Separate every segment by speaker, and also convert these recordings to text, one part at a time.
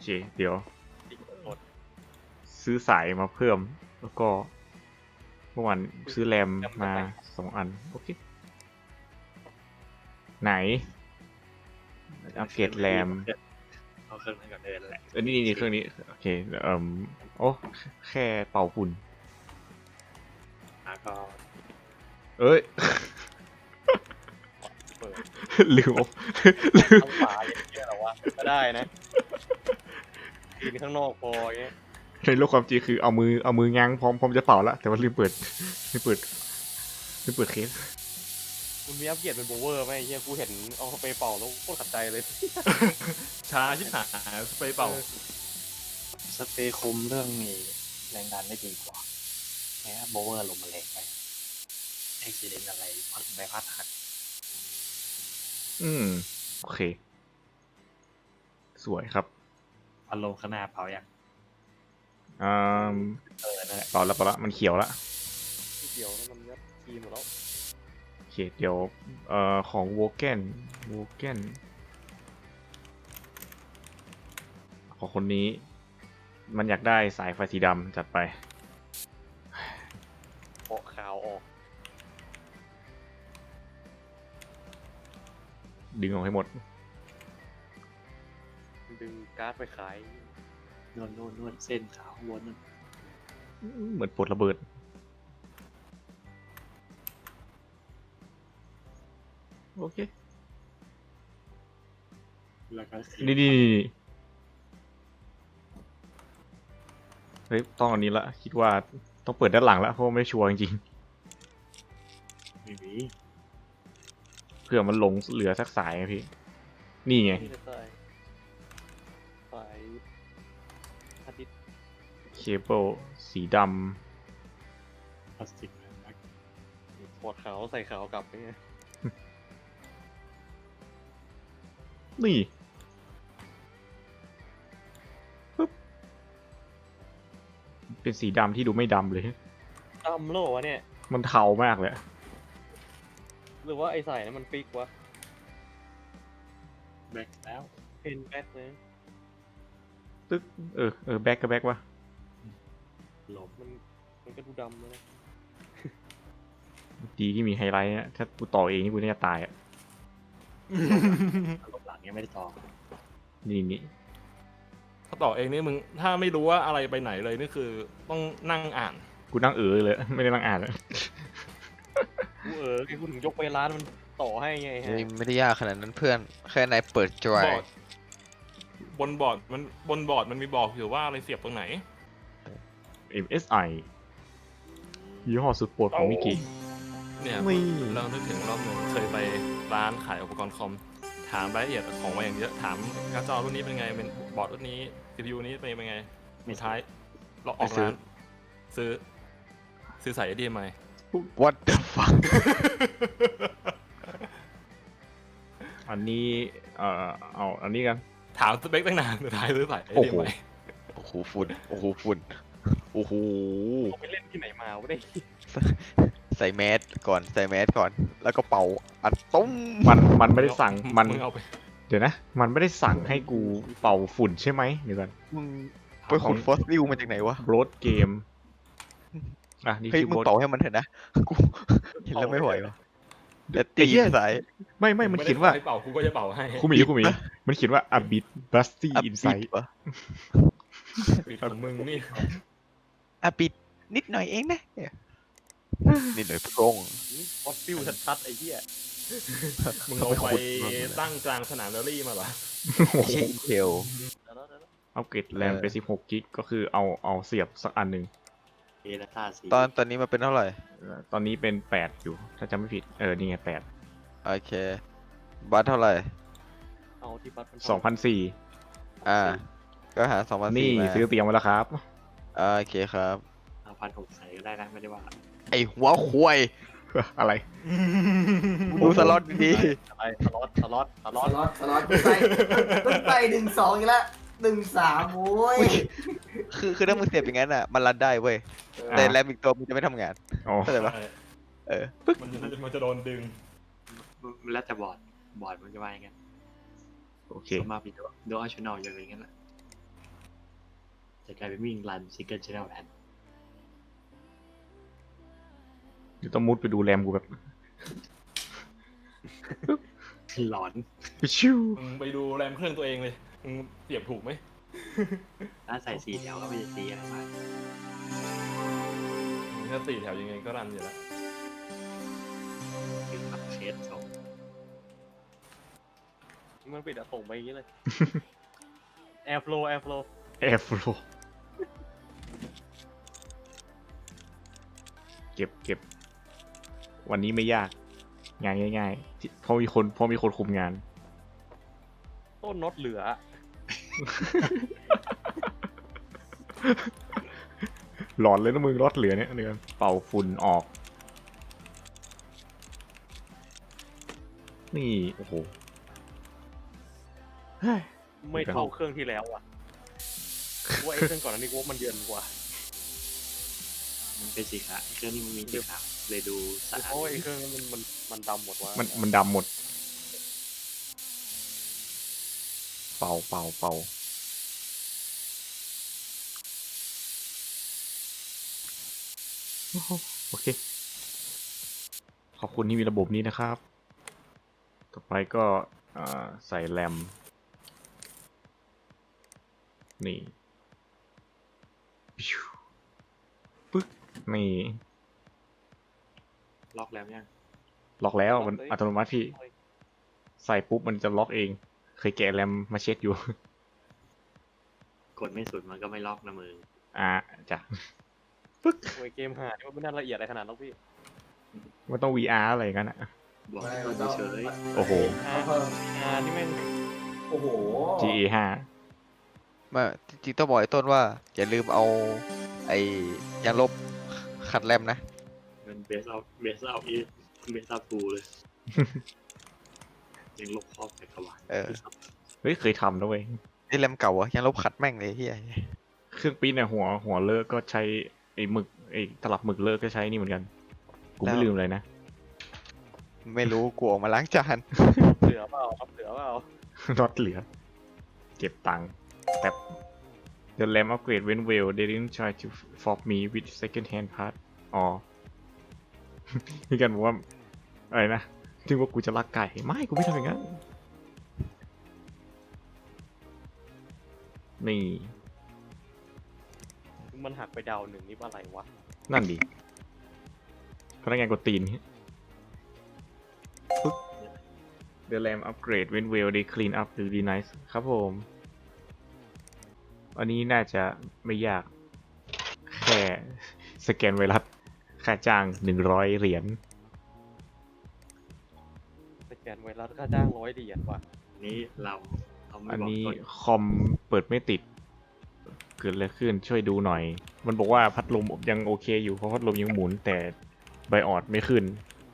Speaker 1: เคเดี๋ยว
Speaker 2: อีกหมด
Speaker 1: ซื้อสายมาเพิ่มแล้วก็เมื่อวานซื้อแรมมา2 อันโอเคไหนอัปเกรดแรม
Speaker 2: เอาเครื่องนั้นก่อนเดินแหละ
Speaker 1: นี่เครื่องนี้โอเคโอ้แค่เป่าฝุ่น
Speaker 2: แล้วก็
Speaker 1: เอ้ย
Speaker 2: เปิด
Speaker 1: ลืม
Speaker 2: ทั้งฝาอย่างเงี้ยหรอวะก็ได้นะยืนข้างนอกพออย่างเงี้ย
Speaker 1: ในโลกความจริงคือเอามือง้างพร้อมจะเป่าแล้วแต่ว่าลืมเปิดเคส
Speaker 2: มันมีอัปเกรดเป็นโบเวอร์ไหมไอ้เฮียกูเห็นเอาไปเป่าแล้วโคตรขัดใจเลย
Speaker 3: ช้าชิบหายสเปรย์เป่า
Speaker 4: สเปรย์คุมเรื่องนี้แรงดันได้ดีกว่าแม้โบเวอร์ลมมันแรงไปอุบิเหตุอะไรพัดใบพัดหัก
Speaker 1: โอเคสวยครับ
Speaker 4: พัดลมข้างหน้าเผาอย่าง
Speaker 1: อ่า
Speaker 4: นั่นแหละ
Speaker 1: เป่าแล้วมันเขียวแล้ว
Speaker 2: ที่เดียวแล้วมันยัดทีมหมดแล้ว
Speaker 1: โอเคเดี๋ยวของโวเกนของคนนี้มันอยากได้สายไฟสีดำจัดไป
Speaker 2: เปาะขาวออก
Speaker 1: ดึงออกให้หมด
Speaker 2: ดึงการ์ดไปขาย
Speaker 4: นวดเส้นขาวข้างบนนั่น
Speaker 1: เหมือนปลดระเบิดโอเค
Speaker 4: แล้วก็สี
Speaker 1: นี่เฮ้ยต้องอันนี้ละคิดว่าต้องเปิดด้านหลังละเพราะว่าไม่ชัวร์จริง
Speaker 4: ไม่มี
Speaker 1: ๆเผื่อมันหลงเหลือสักสายไงพี่นี่ไง
Speaker 2: ที่จะใส่สายอาทิตย์
Speaker 1: เคเบิลสีด
Speaker 4: พลาสติกนะ
Speaker 2: ปอดขาวใส่ขาวกลับไปไง
Speaker 1: ำนี่ปึ๊บเป็นสีดำที่ดูไม่ดำเลย
Speaker 2: ดำโลวะเนี่ย
Speaker 1: มันเทามากเลย
Speaker 2: หรือว่าไอ้สายนั้นมันฟิกวะ
Speaker 4: แบกแล้ว
Speaker 2: เป็นแบ็คเลย
Speaker 1: ตึ๊กแบ็กก็แบ็กวะ
Speaker 4: ลม
Speaker 2: มันก็ดูดำเลยนะ
Speaker 1: ดีที่มีไฮไลท์นะถ้ากูต่อเองนี่กูน่าจะตายอ่ะ
Speaker 4: ลมหลังยังไม่ได้ต่อ
Speaker 1: นี่
Speaker 3: ถ้าต่อเองนี่มึงถ้าไม่รู้ว่าอะไรไปไหนเลยนี่คือต้องนั่งอ่าน
Speaker 1: กูนั่งเลย ไม่ได้นั่งอ่านเลย
Speaker 2: กูแกกูถึงยกไปร้านมันต่อให้ไงฮะ
Speaker 5: เฮ้ยไม่ได้ยากขนาดนั้นเพื่อน แค่นายเปิดจอย
Speaker 3: บอร์ดบนบอร์ดมันมีบอกอยู่ว่าอะไรเสียบตรงไหน
Speaker 1: MSI ยี่ห้อสุดโปรดของมิกิ
Speaker 3: เนี่ย
Speaker 1: นี่
Speaker 3: เรานึกถึงรอบหนึ่งเคยไปร้านขายอุปกรณ์คอมถามรายละเอียดของมาอย่างเยอะถามการ์ดจอรุ่นนี้เป็นไงเป็นบอร์ดรุ่นนี้ CPU นี้เป็นไงสุดท้ายเราออกร้านซื้อสาย HDMI
Speaker 5: What the fuck
Speaker 1: อันนี้เอาอันนี้กัน
Speaker 3: ถามสเปคตั้งนานสุดท้ายซื้อสาย
Speaker 1: โอ้โห
Speaker 3: HDMI
Speaker 5: โอ้โหฝุ่นโอ้โหฝุ่นโอ้โห
Speaker 2: เอาไปเล่นที่ไหนมาวะเนี่ย
Speaker 5: ใส่แมสก่อนใส่แมสก่อน แล้วก็เป่าอัดตุ้ม
Speaker 1: มันไม่ได้สั่งมัน
Speaker 3: มึงเอาไป
Speaker 1: เดี๋ยวนะ มันไม่ได้สั่งให้กูเป่าฝุ่นใช่ไหมเดี๋ยวก่อน
Speaker 5: มึงไปขุดฟอสซิลมาจากไหนวะ
Speaker 1: โบรดเกมนี่
Speaker 5: เฮ้ย
Speaker 1: ชื่อ
Speaker 5: มึง
Speaker 1: โบรด
Speaker 5: เป่าให้มันเถอะนะกูเห็นแล้วไม่ไหววะแต่
Speaker 1: ไอ้
Speaker 5: ตี
Speaker 1: เหี้ย
Speaker 5: สาย
Speaker 1: ไม่มันเขียนว่า
Speaker 3: ไม่ได้ขอให้เป่ากูก็จะเป่าให้
Speaker 1: คุมิมันเขียนว่า a bit rusty
Speaker 5: อับปิด
Speaker 1: inside
Speaker 5: วะ
Speaker 3: ปิดของมึงนี่
Speaker 5: อ่ะปิดนิดหน่อยเองนะนิดหน่อยโปร่ง
Speaker 2: ฟอสฟิลชัดๆไอ้เหี้ย
Speaker 3: มึงเอาไปตั้งกลางสนามแรลลี่มาเหรอ
Speaker 5: ไม่ใช่อินเทล
Speaker 1: อัปเกรดแรมไป16 กิกก็คือเอาเสียบสักอันหนึ่ง
Speaker 4: เอลต้าสี
Speaker 5: ตอนนี้มันเป็นเท่าไหร่
Speaker 1: ตอนนี้เป็น 8 อยู่ ถ้าจำไม่ผิดนี่ไง8
Speaker 5: โอเคบัตรเท่าไหร่
Speaker 2: เอาที่บัตรมัน
Speaker 1: 2,400
Speaker 5: อ่า ก็หา2,400
Speaker 1: นี่
Speaker 5: มา
Speaker 1: ซื้อเตรียมไว้แล้วครับ
Speaker 5: โอเคครับ
Speaker 4: 5,600ใส่ก็ได้นะไม่ได้ว่า
Speaker 5: ไอหัวควาย
Speaker 1: อะไร
Speaker 5: ดูสล็อตดี
Speaker 2: อะไรสล็อต
Speaker 6: สล็อตไป1-2อีกแล้ว1-3โว้ย
Speaker 5: ๆคือถ้ามึงเสียบอย่างนั้นอ่ะ มันรันได้เว้ย แต่แรมอีกตัวมึงจะไม่ทำงาน
Speaker 1: อ๋อ
Speaker 5: เข้าใจปะเออ
Speaker 3: มันจะโดนดึง
Speaker 4: มันแล้วแต่บอร์ดมันจะว่าอย่างงั้น
Speaker 1: โอเค
Speaker 4: สมมาผิดดูอัลชแนลอย่างนั้นแหละจะกลายเป็นวิ่งรันซิงเกิลชแนลแทน
Speaker 1: เดี๋ยวต้องมุดไปดูแรมกูแบบ
Speaker 4: หลอน
Speaker 1: ชิว
Speaker 3: มึงไปดูแรมเครื่องตัวเองเลยมึงเปรียบถูกไหม
Speaker 4: ถ้าใส่4 แถวก็ไม่จะตีอะไรมาก
Speaker 3: ถ้า4 แถวยังไงก็รันอยู่แล้ว
Speaker 4: ถึงรับเคสส่ง
Speaker 2: มันปิดอะส่งไปอย่างนี้เลย แอร์ฟลูแอร์ฟลู
Speaker 1: แอร์ฟลูเก็บ วันนี้ไม่ยาก งานง่ายๆที่เพราะมีคนคุมงาน
Speaker 2: ต้นน็อตเหลือ
Speaker 1: หลอนเลยนะมึงรถเหลือเนี่ยเดือนเป่าฝุ่นออก นี่ โอ้โหเฮ้ย
Speaker 2: ไม่เท่าเครื่องที่แล้วอ่ะว่าไอ้เครื่องก่อนอันนี้กูว่ามันเย็นกว่า
Speaker 4: มันเป็นสีขาวไอ้เครื่องนี้มันมีสีขาวเลยดูสะอา
Speaker 2: เพ
Speaker 4: ด
Speaker 2: ราะว่าไอ้เครื่องนั้นมันดำหมดว่ะ
Speaker 1: มันดำหมด เป่าโอเค ขอบคุณที่มีระบบนี้นะครับ ต่อไปก็ใส่แรม นี่ปิ้วปึ๊กนี่
Speaker 4: ล็อกแล้วยัง
Speaker 1: ล็อกแล้วมันอัตโนมัติพี่ ใส่ปุ๊บมันจะล็อกเอง เคยแกะแรมมาเช็คอยู่
Speaker 4: กดไม่สุดมันก็ไม่ล็อกนะมือ
Speaker 1: จ้ะ
Speaker 2: โอ้ยเกมหาที่มันไม่น่าละเอียดอะไรขนาดนั้นหรอกพี่
Speaker 1: มันต้อง VR อะไรกันอ่ะ
Speaker 4: บอก
Speaker 6: ไม่
Speaker 4: ให้ก
Speaker 6: มั
Speaker 4: ด
Speaker 6: นต้อง
Speaker 4: เฉย
Speaker 1: โอ้โห
Speaker 6: เพิ่ม
Speaker 2: นี่แม่ง
Speaker 6: โอ้โห
Speaker 1: GA
Speaker 5: มาจริงๆต้องบอกไอ้ต้นว่า อย่าลืมเอา ไอ้ยางลบขัดแรมนะ
Speaker 4: ๆมันเบสเอาฟูเลย ยังลบครอบจักรวาล
Speaker 5: เออ
Speaker 1: เฮ้ย เคยทำนะเว้ย
Speaker 5: นี่แรมเก่าอะยางลบขัดแม่งเลยเฮีย
Speaker 1: เครื่องปริ้นเนี่ยหัวเลิกก็ใช้ไอ้หมึกไอ้ตลับหมึกเลิกก็ใช้นี่เหมือนกัน กูไม่ลืมเลยนะ
Speaker 5: ไม่รู้กูออกมาล้างจาน
Speaker 2: เหลือเปล่าครับเหลือเปล่า
Speaker 1: น็อตเหลือ เก็บตังค์แต่ The lamp upgrade went well they didn't try to fob me with second hand part อ๋อ พี่กันบอกว่าอะไรนะที่ว่ากูจะลักไก่ไม่กูไม่ทำอย่างนั้นนี่
Speaker 2: มันหักไปดาวหนึ่งนี่ว่าอะไรวะ
Speaker 1: นั่นดิพนักงานกดตีนปึ๊บ The lamp upgrade went well they clean up really nice ครับผม อันนี้น่าจะไม่ยาก แค่สแกนไวรัสค่าจ้าง100 เหรียญ
Speaker 2: สแกนไวรัสค่าจ้าง$100ว่ะ
Speaker 4: นี้เราไม่
Speaker 1: อัน
Speaker 4: บอก
Speaker 1: นี้
Speaker 4: ต้น
Speaker 1: คอมเปิดไม่ติด เกิดอะไรขึ้นช่วยดูหน่อย มันบอกว่าพัดลมยังโอเคอยู่เพราะพัดลมยังหมุนแต่ไบออดไม่ขึ้น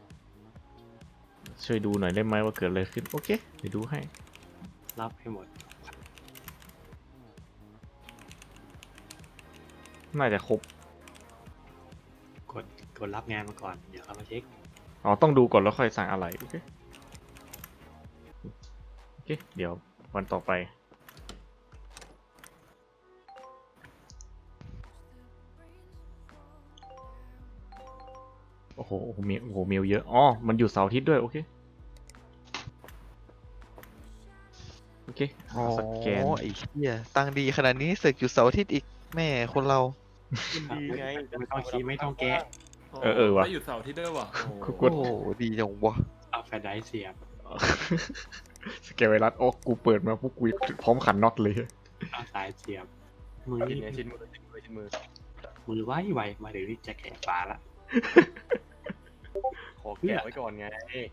Speaker 1: ช่วยดูหน่อยได้ไหมว่าเกิดอะไรขึ้น โอเค เดี๋ยวดูให้
Speaker 4: รับให้หมด
Speaker 1: น่าจะครบ
Speaker 4: กดรับงานมาก่อน เดี๋ยวเขามาเช็ค
Speaker 1: อ๋อ ต้องดูก่อนแล้วค่อยสั่งอะไร โอเค โอเค เดี๋ยววันต่อไป โอ้โหเมลเยอะ อ๋อ มันอยู่เสาร์อาทิตย์ด้วย โอเค โอเค
Speaker 5: อ๋อ
Speaker 1: สแกน
Speaker 5: ไอ้เฮียตังค์ดีขนาดนี้สึกอยู่เสาร์อาทิตย์อีกแม่คนเรา
Speaker 2: มันดีไง
Speaker 4: ไม่ต้องคิดไม่ต้องแกะ
Speaker 1: เออว่ะ
Speaker 3: ไม่หยุดเสาร์อาทิตย์ด้วยว่ะโอ้โห
Speaker 1: กด
Speaker 5: โอ้ดีจังวะ
Speaker 4: เอาแฟลชไดรฟ์เสียบ
Speaker 1: สแกนไวรัสโอ้กูเปิดมาพวกกูพร้อมขันน็อตเลย
Speaker 4: เอาสายเสียบ มือ
Speaker 2: ชิ้น
Speaker 4: นี่
Speaker 2: เนี้ยชิ้นมือ
Speaker 4: มือไวมาเดี๋ยวนี้จะแข็งฝาละ
Speaker 2: ขอแกะไว้ก่อนไง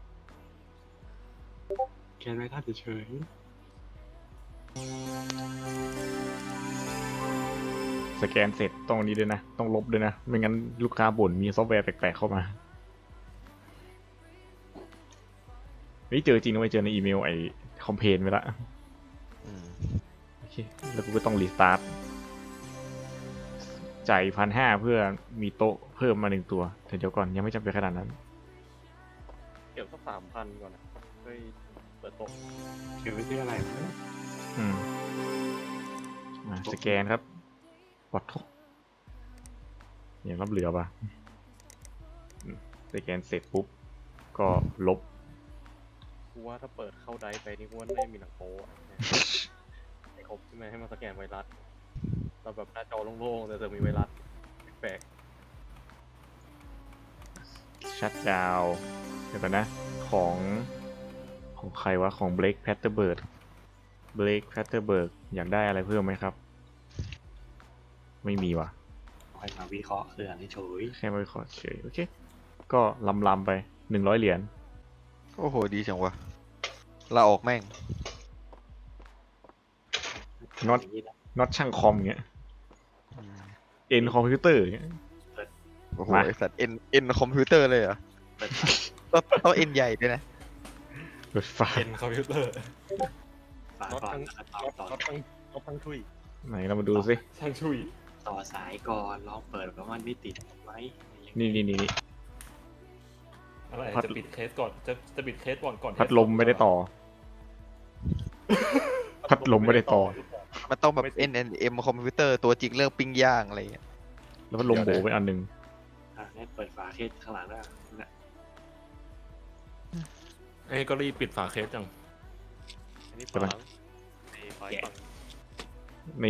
Speaker 4: แค่ไม่ท่าเฉย
Speaker 1: สแกนเสร็จต้องนี้ด้วยนะ ต้องลบด้วยนะ ไม่งั้นลูกค้าบ่นมีซอฟต์แวร์แปลกๆเข้ามานี่เจอจริงนะไม่เจอในอีเมลไอ้คอมเพลนไปละ
Speaker 5: อืม
Speaker 1: โอเค แล้วกูก็ต้องรีสตาร์ทจ่าย1,500เพื่อมีโต๊ะเพิ่มมา1 ตัวแต่เดี๋ยวก่อนยังไม่จำเป็นขนาดนั้น
Speaker 2: เก็บสัก3,000ก่อนนะเฮ้ยเปิดโต๊ะ
Speaker 4: ๆเก็บไว้ที่อะไรวะ
Speaker 1: อืมมาสแกนครับวัดทุกอย่างรับเหลือป่ะสแกนเสร็จปุ๊บ ก็ลบ
Speaker 2: กูว่าถ้าเปิดเข้าไดฟ์ไปนี่กูว่าไม่มีหนังโป๊อะไอ้ครบใช่ไหมให้มันสแกนไวรัสเราแบบหน้าจอโล่งๆแต่จะมีไวรัสแปลก
Speaker 1: ชัดดาวเดี๋ยวก่อนนะ ของใครวะ ของ Blake Patterberg Blake Patterberg อยากได้อะไรเพิ่มไหมครับ ไม่มีว่ะ
Speaker 4: ค่อยมาวิเคราะห์คืออันนี้เฉย
Speaker 1: แค่ไม่ขอเฉย โอเค ก็ลำไป 100 เหรียญ
Speaker 5: โอ้โห ดีจังวะลาออกแม่ง
Speaker 1: น็อต
Speaker 4: ย่างนี้นะ
Speaker 1: น็อตช่างคอมอย่างเงี้ย เอ็นคอมพิวเตอร์อย่างเงี้ย
Speaker 5: โอ้โห
Speaker 1: มา
Speaker 5: ไอสัตว์เอ็นคอมพิวเตอร์เลยเหรอ
Speaker 4: เปิด
Speaker 5: ต้องเอ็นใหญ่ด้วยนะ
Speaker 1: รถฟ้า
Speaker 3: เป็นคอมพิวเตอร์
Speaker 4: ฝาก่อนแล้วก็ต่อ
Speaker 2: ๆก็ทั้งทุย
Speaker 1: ไหนเรามาดูสิ
Speaker 3: ช่างชุย
Speaker 4: ต่อสายก่อนลองเปิดว่ามันไม่ติดไหม
Speaker 1: นี่
Speaker 3: อะไร
Speaker 1: พัด
Speaker 3: จะปิดเคสก่อนจะปิดเคสก่อน
Speaker 1: พัดลมไม่ได้ต่อ พัดลมไม่ได้ต่อ
Speaker 5: มันต้องแบบ NNM คอมพิวเตอร์ตัวจริงเรื่องปิ้งย่างอะไรอย่างเงี้ย
Speaker 1: แล้วพัดลมโบไปอันหนึง
Speaker 4: งั้นเปิดฝาเคสข้างหลังได้นะ
Speaker 3: เอ้ยก็รีบปิดฝาเคสจัง
Speaker 2: อันนี้
Speaker 1: ใช่ไหม
Speaker 2: ฝังไอ้ไฟฝัง
Speaker 1: นี่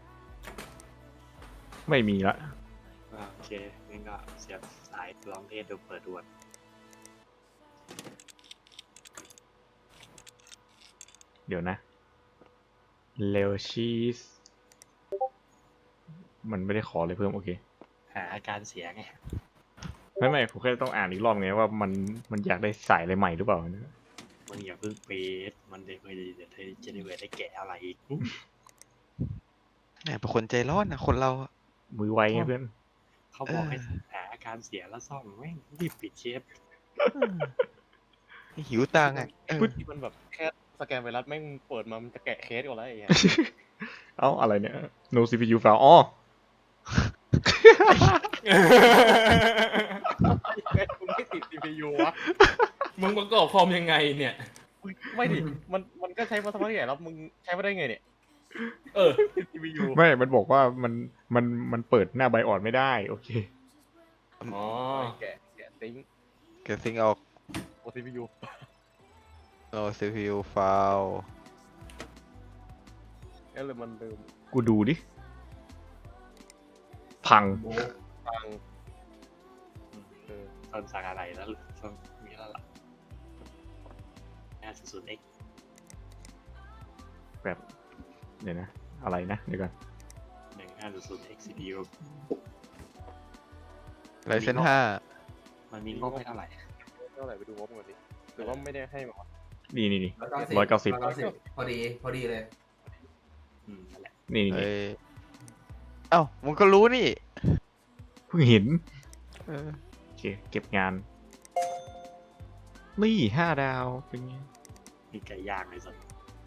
Speaker 1: ไม่มีละ
Speaker 4: โอเคงั้นก็เสียบสายลองเทสดูเปิดดูก่อน
Speaker 1: เดี๋ยวนะเลวชีสมันไม่ได้ขอเลยเพิ่ม โอเค
Speaker 4: หาอาการเสียไง
Speaker 1: ไม่ผมแค่ต้องอ่านอีกรอบไงว่ามันอยากได้สายอะไรใหม่หรือเปล่า
Speaker 4: มึงอย่าเพิ่งเปดมันเดี๋ยวเธอจะได้แกะอะไรอีก
Speaker 5: แหมเป็นคนใจร้อนนะคนเราอะ
Speaker 1: มือไวไงเพื่อน
Speaker 4: เขาบอกให้หาอาการเสียแล้วซ่อมแม่งรีบปิดเชฟ
Speaker 5: หิวตังค์อะ
Speaker 2: ที่มันแบบแค่สแกนไวรัสแม่งเปิดมามันจะแกะเคสก่อนแล้วไอ้เหี้ย
Speaker 1: เอ้า อะไรเนี่ย no CPU file อ๋อ
Speaker 2: มึงไม่ติด CPU วะ
Speaker 3: มึงประกอบคอมยังไงเนี่ย
Speaker 2: ไม่ดิมันก็ใช้มาสักพักใหญ่แล้วมึงใช้มาได้ไงเนี่ย
Speaker 3: เออ
Speaker 2: ติด CPU
Speaker 1: ไม่มันบอกว่ามันเปิดหน้าไบออดไม่ได้ โอเค
Speaker 3: อ๋อ
Speaker 2: แกะติ้ง
Speaker 5: เกิดซิงออก
Speaker 2: โอ CPU
Speaker 5: โอ้ CPU ไฟล์
Speaker 2: แล้วเลยมันลืม
Speaker 1: กูดูดิ พัง
Speaker 2: ฟัง
Speaker 4: ต้นสักอะไรแล้วต้นมีแล้วล่ะ500X
Speaker 1: แบบ เดี๋ยวนะ อะไรนะ เดี๋ยวก่อน
Speaker 4: 500X CPU
Speaker 5: ไรเซนห้า
Speaker 4: มันมีงบให้เท่าไหร่
Speaker 2: เท่าไหร่ไปดูงบก่อนดิหรือว่าไม่ได้ให้มา
Speaker 1: นี่
Speaker 6: พอดีเลย
Speaker 4: นั่นแหละ
Speaker 1: นี่
Speaker 5: เอ้ยเอ้ามึงก็รู้นี่
Speaker 1: เพิ่งเห็น
Speaker 5: เออ
Speaker 1: โอเค เก็บงาน นี่5 ดาว เป็นไง
Speaker 4: มีไก่ย่างเลยสัก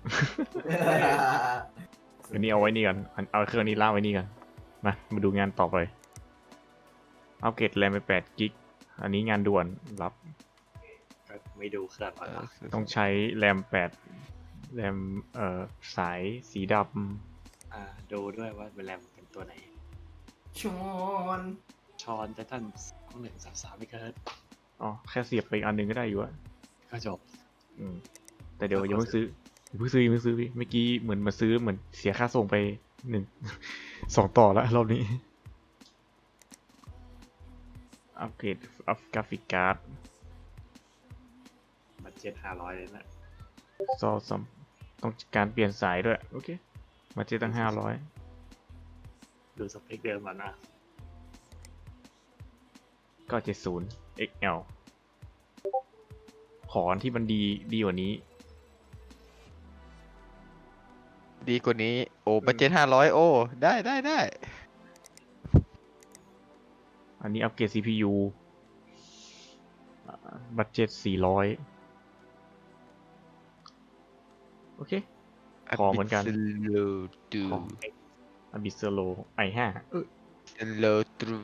Speaker 1: อันนี้เอาไว้นี่กันเอาเครื่องนี้ล่างไว้นี่กัน มาดูงานต่อไป อัปเกรดแรมไป8 กิก อันนี้งานด่วน รับ
Speaker 4: ก็ไม่ดูเครื่องก่อนนะ
Speaker 1: ต้องใช้แรม8 แรม สายสีด
Speaker 4: ดูด้วยว่าเป็นแรมเป็นตัวไหน
Speaker 6: ชอน
Speaker 4: ชอนไททัน2133ไม่เกิน
Speaker 1: ำอ๋อ แค่เสียบไปอีกอันหนึงก็ได้อยู่อะ
Speaker 4: ก็จบ
Speaker 1: อืม แต่เดี๋ยวยังไม่ซื้อพี่เมื่อกี้เหมือนมาซื้อเหมือนเสียค่าส่งไป2 ต่อแล้วรอบนี้ อัปเกรดกราฟิกการ์ด
Speaker 4: บัตเจ็ต500เลยนะ
Speaker 1: ต้องการเปลี่ยนสายด้วย โอเค มาเจตั้ง
Speaker 4: ดูสเปคเดิมก่อนนะ
Speaker 1: 500 ก็70 XL ขออันที่มันดีกว่านี้
Speaker 5: ดีกว่านี้ โอ้บัจเจ็ต500 โอ้ ได้
Speaker 1: อันนี้อัปเกรด CPU บัตเจ็ต400 โอเค ขอเหมือนกัน
Speaker 5: ดู
Speaker 1: ของ Abyssalo i5
Speaker 5: โลตรู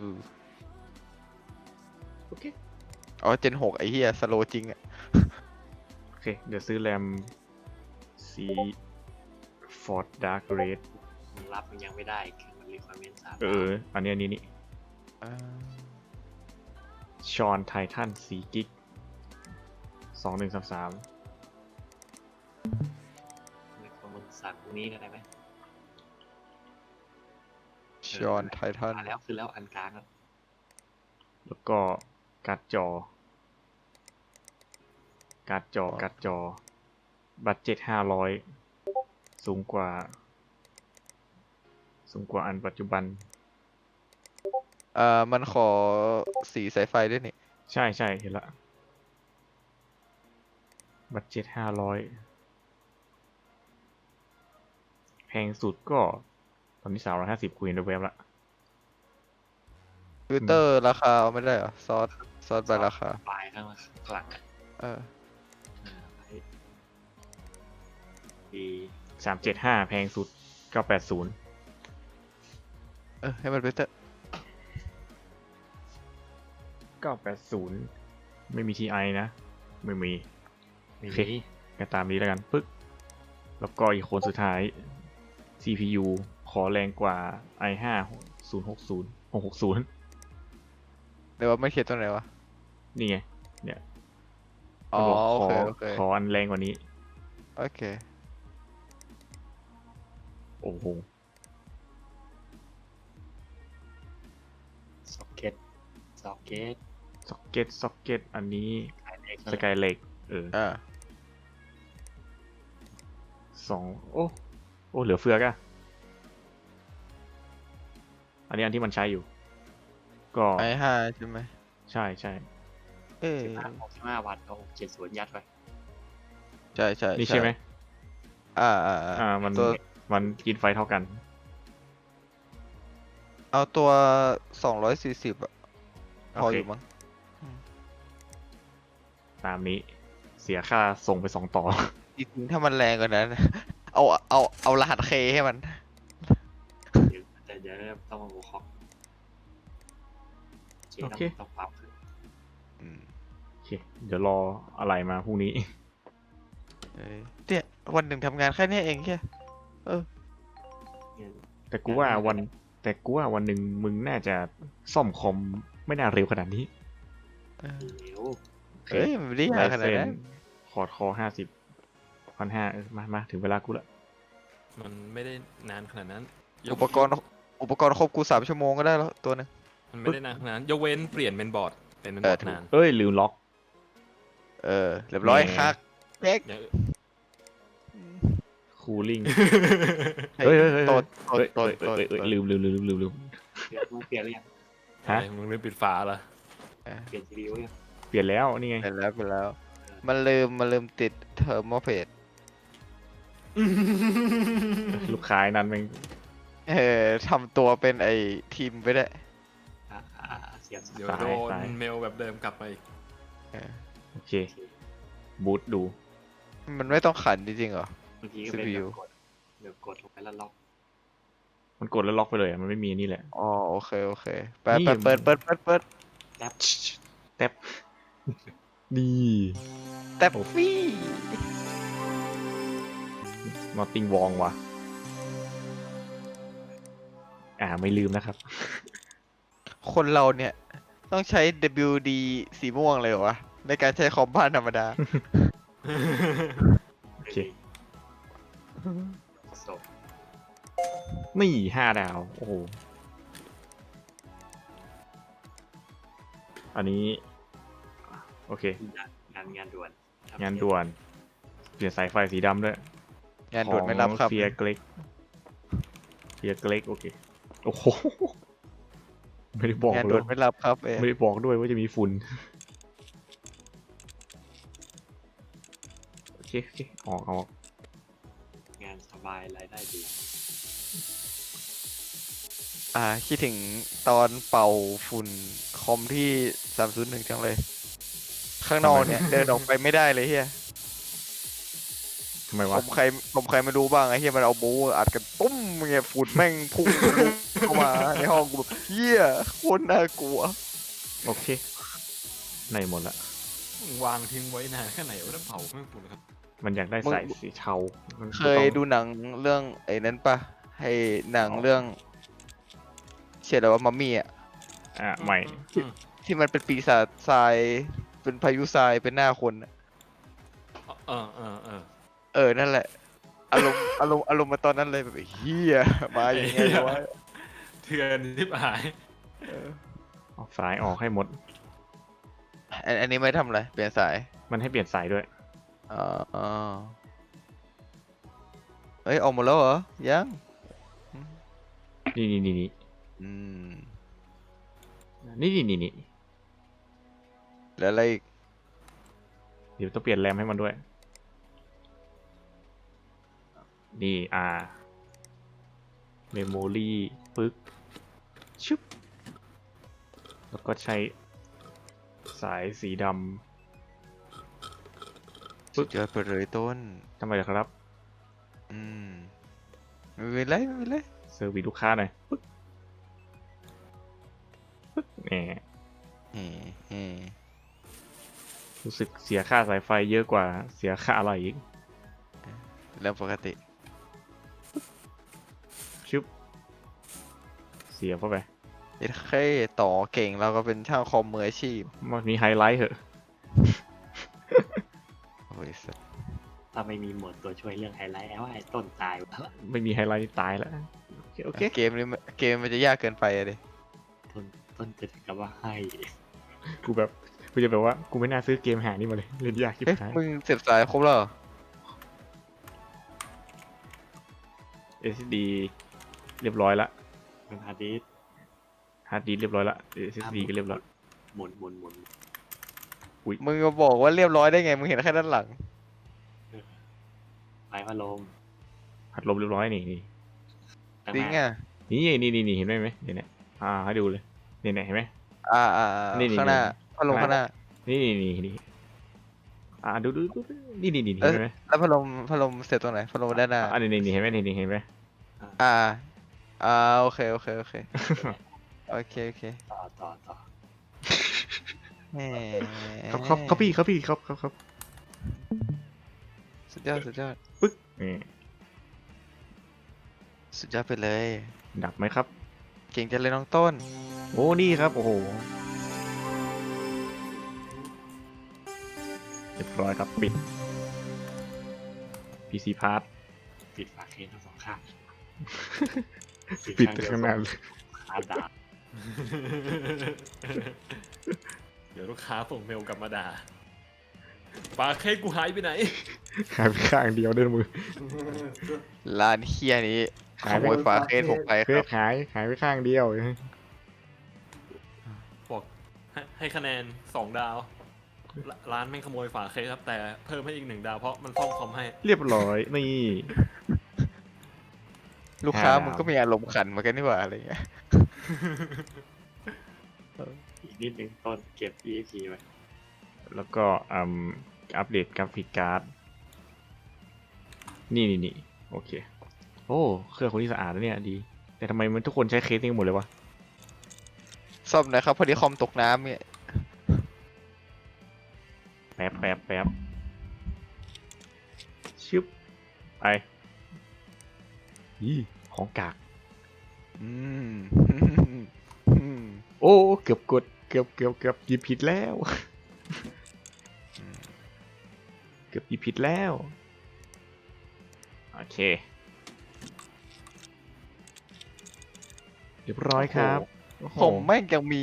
Speaker 1: โอเค
Speaker 5: อ๋อเจน6ไอ้เหี้ยสโลจริงอะ
Speaker 1: โอเค เดี๋ยวซื้อแรมสี Ford Dark Red
Speaker 4: มันรับมันยังไม่ได้คือมัน requirement 3
Speaker 1: อันนี้นี่
Speaker 5: อ่า
Speaker 1: ชอนไททัน4กิก2133
Speaker 4: requirement 3พวกนี้ก็ได้ไหม
Speaker 5: ชอนไททัน
Speaker 4: มาแล้วคือแล้วอันกลางอะ
Speaker 1: แล้วก็การ์ดจอบัตเจ็ต500 สูงกว่าอันปัจจุบัน
Speaker 5: มันขอสีสายไฟด้วยนี่
Speaker 1: ใช่เห็นละบัตเจ็ต500 แพงสุดก็ตอนนี้350คุยในเว็บละ
Speaker 5: ฟิลเตอร์ราคาเอาไม่ได้เหรอ ซอสใบราคา
Speaker 4: ปลายข้างหลังอะ
Speaker 5: เออ
Speaker 4: ดี
Speaker 1: 375 แพงสุด 980
Speaker 5: ให้มันฟิลเตอร์
Speaker 1: 980 ไม่มี TI นะ ไม่มี
Speaker 4: ไม่
Speaker 1: โอเค
Speaker 4: มี
Speaker 1: ก็ตามนี้แล้วกัน ปึ๊ก แล้วก็อีกคนสุดท้าย CPU ขอแรงกว่า i5 660
Speaker 5: เดี๋ยวว่าไม่เขียนตัวไหนวะ
Speaker 1: นี่ไง เนี่ย
Speaker 5: อ๋อ
Speaker 1: มันบอก
Speaker 5: โอเค
Speaker 1: ขออันแรงกว่านี้
Speaker 5: โอเค
Speaker 1: โอ้โห
Speaker 4: ซ็อกเก็ต
Speaker 1: ซ็อกเก็ต อันนี้
Speaker 4: ส
Speaker 1: ส
Speaker 4: กาย
Speaker 1: กายเล็ก
Speaker 5: อ่า
Speaker 1: โอ้เหลือเฟือกอะอันนี้อันที่มันใช้อยู่ ก็
Speaker 5: i5 ใช่ไหม
Speaker 1: ใช่
Speaker 5: เอ้ย
Speaker 4: 65 วัตต์เอา70 ยัดไว้
Speaker 5: ใช่
Speaker 1: นี่ใช่ไหม
Speaker 5: มัน
Speaker 1: มันกินไฟเท่ากัน
Speaker 5: เอาตัว240อ่ะ พออยู่มั้ง
Speaker 1: ตามนี้ เสียค่าส่งไป2 ต่อ
Speaker 5: จริงๆถ้ามันแรงกว่านั้น เอารหัสเคให้มัน
Speaker 4: แต่เดี๋ยวต้องมาโวคอก
Speaker 1: โอเค
Speaker 4: ต้องปรับขึ้น
Speaker 1: โอเค เดี๋ยวรออะไรมาพรุ่งนี้
Speaker 5: เนี่ยวันหนึ่งทำงานแค่นี้เองแค่
Speaker 1: แต่กูว่าวันหนึ่งมึงน่าจะซ่อมคอมไม่น่าเร็วขนาดนี้
Speaker 4: เดี๋ยว
Speaker 1: โอเค
Speaker 5: เฮ้ยมันไม่ได้ยากขนาดนั้น
Speaker 1: คอร์ดคอ50 1,500มาถึงเวลากูละ
Speaker 3: มันไม่ได้นานขนาดนั้น
Speaker 5: อุปกรณ์ครบกู3 ชั่วโมงก็ได้แล้วตัวหนึง
Speaker 3: มันไม่ได้นานขนาดนั้น ยกเว้นเปลี่ยนเป็นบอร์ด เป็นบอร์ด
Speaker 5: ถูก
Speaker 3: นาน
Speaker 1: เอ้ยลืมล็อก
Speaker 5: เรียบร้อย
Speaker 1: แหม
Speaker 5: คักเด็ก
Speaker 3: อย่าง
Speaker 1: คูลิ่ง
Speaker 5: เฮ้ย
Speaker 1: เฮ้ย
Speaker 5: ตด
Speaker 1: ลืม
Speaker 4: เปลี่ยนหรือยัง
Speaker 1: ฮะ
Speaker 3: อะไรมึงลืมปิดฝาเหรอ
Speaker 4: เปลี่ยน CPU ยัง
Speaker 1: เปลี่ยนแล้วนี่ไง
Speaker 5: เป็นแล้ว มันลืมติดเทอร์โมเพด
Speaker 1: ลูกค้าไอ้นั่นแม่ง
Speaker 5: ทำตัวเป็นไอ้ทีมไปได้
Speaker 4: เสียบ
Speaker 3: เดี๋ยว
Speaker 1: สาย
Speaker 3: โด
Speaker 1: สาย
Speaker 3: นเมลแบบเดิมกลับมาอีก
Speaker 1: โอเค บูทดู
Speaker 5: มันไม่ต้องขันจริงๆเหรอ
Speaker 4: บางทีก็เป็น
Speaker 5: CPU
Speaker 4: แบบกดลงไปแล้วล็อก
Speaker 1: มันกดแล้วล็อกไปเลยอะมันไม่มีนี่แหละ
Speaker 5: อ๋อโอเคไป
Speaker 1: นี่
Speaker 5: เปิด
Speaker 4: แท็บ
Speaker 1: แท็บนี่
Speaker 5: แต่ฟี่
Speaker 1: นอตติงวองว่ะ ไม่ลืมนะครับ
Speaker 5: คนเราเนี่ย ต้องใช้ WD สีม่วงเลยเหรอวะ ในการใช้คอมบ้านธรรมดา
Speaker 1: โอเค
Speaker 4: ศพ
Speaker 1: นี่5 ดาว โอ้โห อันนี้ โอเค
Speaker 4: งานด่วน
Speaker 1: งานด่วน เปลี่ยนสายไฟสีดำด้วย
Speaker 5: งานด่วนไม่รับครับ
Speaker 1: เฟียเกล็กโอเค โอ้โห ไม่ได้บอก
Speaker 5: งาน
Speaker 1: เล
Speaker 5: ด่วย นไม่รับครับ
Speaker 1: ไม่ได้บอกด้วยว่าจะมีฝุ่น โอเคออก
Speaker 4: งานสบายรายได้ดี
Speaker 5: คิดถึงตอนเป่าฝุ่นคอมที่301จังเลย ข้างนอกเนี่ย เดินออกไปไม่ได้เลยเฮีย
Speaker 1: ทำไม
Speaker 5: ผ
Speaker 1: วะ
Speaker 5: มใครไม่รู้บ้างไอ้เฮียมันเอาบูอัดกันตุ้มเงี้ยฝุ่นแม่งพุ่งทะลุเข้ามาในห้องกูแบบเฮียโคตรน่ากลัว
Speaker 1: โอเคในหมดละ
Speaker 3: วางทิ้งไว้นานแค่ไหนวะแล้วเผาไม่ฝุ่นครับ
Speaker 1: มันอยากได้
Speaker 5: มึง
Speaker 1: สายสีเทามัน
Speaker 5: เคยดูหนังเรื่องไอ้นั้นปะให้หนังเรื่องเชื่อแล้วว่ามัมมี่อ่ะ
Speaker 1: ใหม่
Speaker 3: อืม
Speaker 5: ที่มันเป็นปีศาจทรายเป็นพายุทรายเป็นหน้าคนอะ
Speaker 3: เออเออเออ
Speaker 5: เออนั่นแหละ อารมณ์มาตอนนั้นเลยแบบเฮียมาอย่างไงวะ
Speaker 3: เถื่อนทิบหาย
Speaker 1: ออกสายออกให้หมด
Speaker 5: อันนี้ไม่ทำอะไรเปลี่ยนสาย
Speaker 1: มันให้เปลี่ยนสายด้วย
Speaker 5: อ๋อเอ้ยออกหมดแล้วเหรอยัง
Speaker 1: นี่นี่นี่นี่
Speaker 5: อืม
Speaker 1: นี่นี่นี่นี่
Speaker 5: แล้วอะไรอีก
Speaker 1: เดี๋ยวต้องเปลี่ยนแรมให้มันด้วย นี่เมมโมรี่ปึ๊กชึบแล้วก็ใช้สายสีด
Speaker 5: สุดยอดไปเลยต้น
Speaker 1: ำทำไมล่ะครับ
Speaker 5: อืมไม่เป็นไรไม่เป็นไร
Speaker 1: เซอร์วิสลูกค้าหน่อยปึ๊กปึ๊กแหม
Speaker 5: เฮ้เฮ้
Speaker 1: รู้สึกเสียค่าสายไฟเยอะกว่าเสียค่าอะไรอีก
Speaker 5: เรื่องปกติ
Speaker 1: ชึบเสียเข้าไป
Speaker 5: เอ็ดเคต่อเก่งเราก็เป็นช่างคอมมืออาชีพ
Speaker 1: มันมีไฮไลท์เหอะ
Speaker 5: โอ้ยสัส
Speaker 4: ถ้าไม่มีโหมดตัวช่วยเรื่องไฮไลท์แล้วไอ้ต้นตายแล้ว
Speaker 1: ไม่มีไฮไลท์นี่ตายแล้ว โอเค
Speaker 5: เกมนี้เกมมันจะยากเกินไปอะดิ
Speaker 4: ต้นจะถึงกับว่าให้
Speaker 1: กูแบบกูจะแบบว่ากูไม่น่าซื้อเกมหานี่มาเลยเล่นยากชิบ
Speaker 5: เอ๊ะ
Speaker 1: หาย
Speaker 5: มึงเสียบสายครบแล้วเหรอ
Speaker 1: SSD เรียบร้อยละ
Speaker 4: เป็นฮาร์ดดิสก์
Speaker 1: ฮาร์ดดิสก์เรียบร้อยละ SSD ก็เรียบร้อย
Speaker 4: หมุน
Speaker 5: มึงมาบอกว่าเรียบร้อยได้ไงมึงเห็นแค่ด้านหลัง
Speaker 4: ไฟพัดลม
Speaker 1: พัดลมเรียบร้อยนี่นี่
Speaker 4: ตั้
Speaker 5: จริง
Speaker 4: หน้า
Speaker 5: อ่ะ
Speaker 1: นี่เห็นไหมเดี๋ยวเนี่ยให้ดูเลยเนี่ยเห็นไหม นี่
Speaker 5: ข้างหน้า
Speaker 1: นี่
Speaker 5: พัดลมข้างหน้า
Speaker 1: นี่ดูนี่เห็นไหม
Speaker 5: แล้วพัดลมเสียบตรงไหนพัดลมด้านหน้า
Speaker 1: นี่เห็นไหมนี่เห็นไหม
Speaker 5: อ่าโอเคโอเคโอเค
Speaker 4: ต่อ
Speaker 5: แหม
Speaker 1: ครับพี่ครับ
Speaker 5: สุดยอด
Speaker 1: ปึ๊กนี่
Speaker 5: สุดยอดไปเลย
Speaker 1: ดับไหมครับ
Speaker 5: เก่งจังเลยน้องต้น
Speaker 1: โอ้นี่ครับโอ้โหเรียบร้อยครับปิด PC Part
Speaker 4: ปิดฝาเคสทั้งสองข้าง
Speaker 1: ปิดข้างหน้าเลย
Speaker 4: คาดา
Speaker 3: เดี๋ยวลูกค้าส่งเมลกลับมาด่าปาเค้กกูหายไปไหน
Speaker 1: หายไปข้างเดียวเดินมือ
Speaker 5: ร้านเฮียนี้ข
Speaker 1: หาย
Speaker 5: โม
Speaker 1: ไป
Speaker 5: ยฝาเคสผมไป
Speaker 1: เค
Speaker 5: ครับ
Speaker 1: สหายไปข้างเดียว
Speaker 3: บอกให้คะแนน2 ดาว ร้านไม่ขโมยฝาเค้กครับ แต่เพิ่มให้อีก1 ดาวเพราะมันซ่อมคอมให้
Speaker 1: เรียบร้อยนี่
Speaker 5: ลูกค้า
Speaker 1: 5 ดาว
Speaker 5: มึงก็มีอารมณ์ขันเหมือนกันนี่หว่าอะไรเงี้ย
Speaker 4: อีกนิดนึงต้นเก็บ EXP ไว้
Speaker 1: แล้วก็อัปเดตกราฟิกการ์ดนี่โอเคโอ้เครื่องคนที่สะอาดแล้วเนี่ยดี แต่ทำไมมันทุกคนใช้เคสนี้หมดเลยวะ
Speaker 5: ซ่อมหนะครับพอดีคอมตกน้ำเนี่ย
Speaker 1: แป๊บชึบไปนี่ของกาก
Speaker 5: อืม
Speaker 1: โอ้เกือบหยิบผิดแล้ว เกือบหยิบผิดแล้วโอเคเรียบร้อยครับโอ้โห
Speaker 5: ผมแม่งยังมี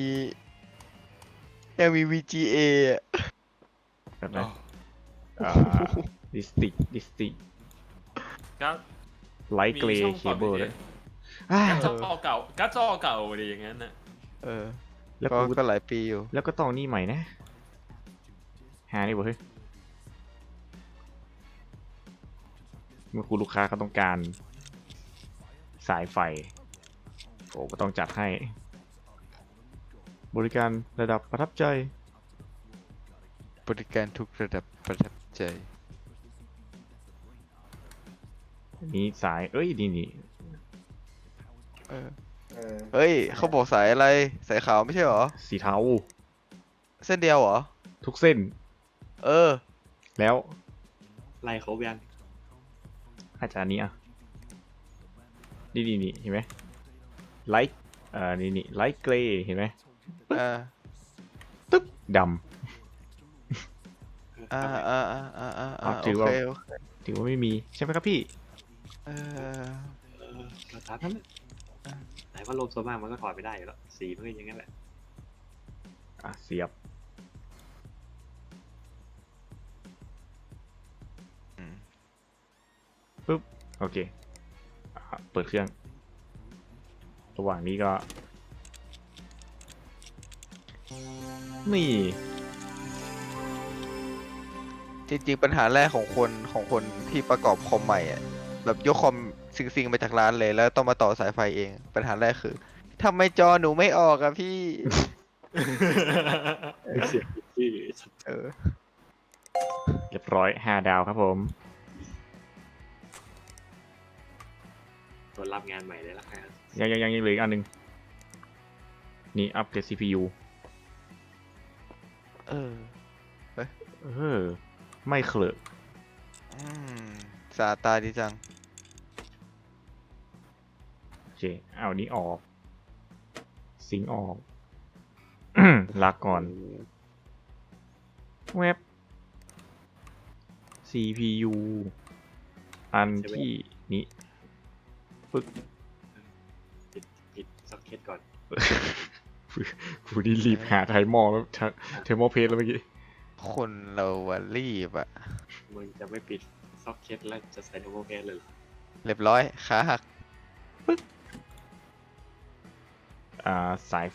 Speaker 5: VGA อะ
Speaker 1: แบบนั้นดิสติก
Speaker 3: ก็
Speaker 1: ไลท์เกร
Speaker 3: มีช่อ
Speaker 1: ย์
Speaker 3: ง
Speaker 1: เค
Speaker 3: ต่อ
Speaker 1: เบิล
Speaker 3: ดี
Speaker 1: เลย
Speaker 3: การ์ดจอเก่าการ์ดจอเก่าดีอย่างนั้นน่ะ
Speaker 5: เออ
Speaker 1: แล้ว
Speaker 5: ก็
Speaker 1: กู
Speaker 5: ก็หลายปีอยู่
Speaker 1: แล้วก็ต้องนี่ใหม่นะหานี่บ่เฮ้ยเมื่อคุณลูกค้าเขาต้องการสายไฟโอ้ก็ต้องจัดให้ บริการระดับประทับใจ
Speaker 5: บริการทุกระดับประทับใจ
Speaker 1: นี่สายเอ้ยนี่
Speaker 5: เออเฮ้ยเขาบอกสายอะไรสายขาวไม่ใช่เหรอ
Speaker 1: สีเทา
Speaker 5: เส้นเดียวเหรอ
Speaker 1: ทุกเส้น
Speaker 5: เออ
Speaker 1: แล้ว
Speaker 4: ไล่ครบยัง
Speaker 1: อาจารย์นี้อ่ะนี่เห็นไหมไลท์นี่ไลท์เกรย์เห็นไหม
Speaker 5: อ่า
Speaker 1: ตึ๊บด
Speaker 5: อ่าโอ
Speaker 1: ถือว่า
Speaker 5: เคโอเค
Speaker 1: ำถือว่าไม่มีใช่ไหมครับพี่
Speaker 5: เออ
Speaker 4: ก็ตามนั้นแหละไหนว่าลมโซนมากมันก็ถอดไม่ได้อยู่แล้วสีมันก็อย่างนั้นแหละ
Speaker 1: เสียบ
Speaker 5: อืม
Speaker 1: ปุ๊บ โอเคเปิดเครื่อง ระหว่างนี้ก็ นี่
Speaker 5: จริงๆปัญหาแรกของคนที่ประกอบคอมใหม่อ่ะแบบยกคอมซิงๆมาจากร้านเลยแล้วต้องมาต่อสายไฟเอง ปัญหาแรกคือทำไมจอหนูไม่ออกอะพี่
Speaker 4: เสียงที่
Speaker 5: เออ
Speaker 1: เรียบร้อย5 ดาวครับผม
Speaker 4: ตัวรับงานใหม่เลยละกัน
Speaker 1: ยังเหลืออีกอันหนึ่งนี่อัปเกรด CPU
Speaker 5: เออ
Speaker 1: ไม่เคลอะ
Speaker 5: อืมสาตาดีจัง
Speaker 1: โอเค เอานี้ออก สิงค์ออก ลาก่อน เว็บ CPU อันที่นี้
Speaker 4: ปิดซ็อกเก็ตก่อน
Speaker 1: กูนี่รีบหาไทมอลแล้วเทมอลเพจแล้วเมื่อกี้
Speaker 5: คนเราอะรีบอะ
Speaker 4: มึงจะไม่ปิดซ็อกเก็ตแล้วจะใส่โนโมแกนเลยเหรอ
Speaker 5: เรียบร้อยขาหัก
Speaker 1: สายไฟ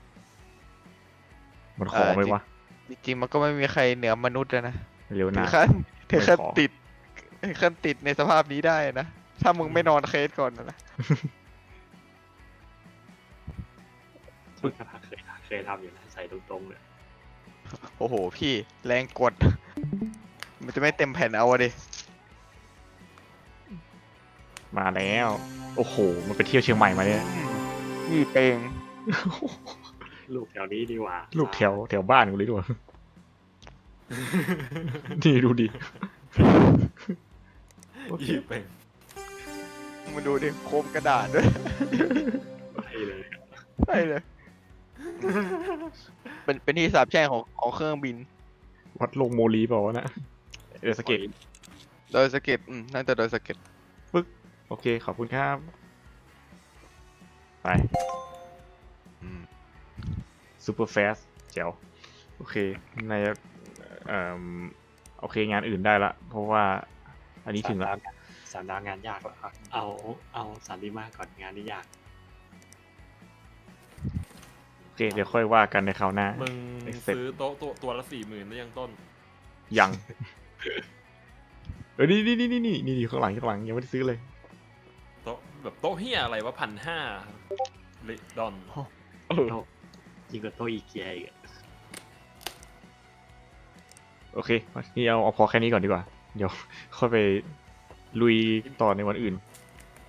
Speaker 1: มันขอไหมวะ
Speaker 5: จริงๆมันก็ไม่มีใครเหนือมนุษย์อะนะ
Speaker 1: เร็ว
Speaker 5: ถึ
Speaker 1: นะ
Speaker 5: งขั้นถึงขั้น
Speaker 1: ไม่ขอ
Speaker 5: ติดถึงขั้นติดในสภาพนี้ได้นะ ถ้ามึงไม่นอนเคสก่อนนะ
Speaker 4: ซึ่งกระทะเคยทำอยู่นะใส่ตรงๆเลย
Speaker 5: โอ้โหพี่แรงกด มันจะไม่เต็มแผ่นเอาอะดิ
Speaker 1: มาแล้ว โอ้โห มันไปเที่ยวเชียงใหม่มาเนี่ย
Speaker 5: นี่เปง
Speaker 4: ลูกแถวนี้ดีกว่า
Speaker 1: ลูกแถวบ้านกูเลยด้วย นี่ดูดิ
Speaker 3: หยิบไป
Speaker 5: มาดูดิโคมกระดาษด้วย
Speaker 4: ไปเลย
Speaker 5: ใช่เลย เป็นที่สาบแช่งของเครื่องบิน
Speaker 1: วัดลงโมลีเปล่าวะนะเออสเก็ต
Speaker 5: โดยสะเก็ตน่าจะโดยสะเก็ต
Speaker 1: โอเค ขอบคุณครับ ไป ซูเปอร์แฟสแจ๋ว โอเค ในโอเค งานอื่นได้ละ เพราะว่า อันนี้ถึงละ
Speaker 4: 3 ดาวงานยากแล้วครับเอาสามดีมากก่อนงานนี้ยาก
Speaker 1: โอเค เดี๋ยวค่อยว่ากันในคราวหน้า
Speaker 3: มึง
Speaker 1: Accept
Speaker 3: ซื้อโต๊ะตัวละ40,000ได้ยังต้น
Speaker 1: ยัง นี่ข้างหลังยังไม่ได้ซื้อเลย
Speaker 3: โต๊ะแบบโต๊ะเฮียอะไรวะ1,500ลิดอน
Speaker 4: ยิ่งกว่าโต๊ะอีเกียอีกอะ
Speaker 1: โอเค นี่เอาพอแค่นี้ก่อนดีกว่า เดี๋ยวค่อยไปลุยต่อในวันอื่น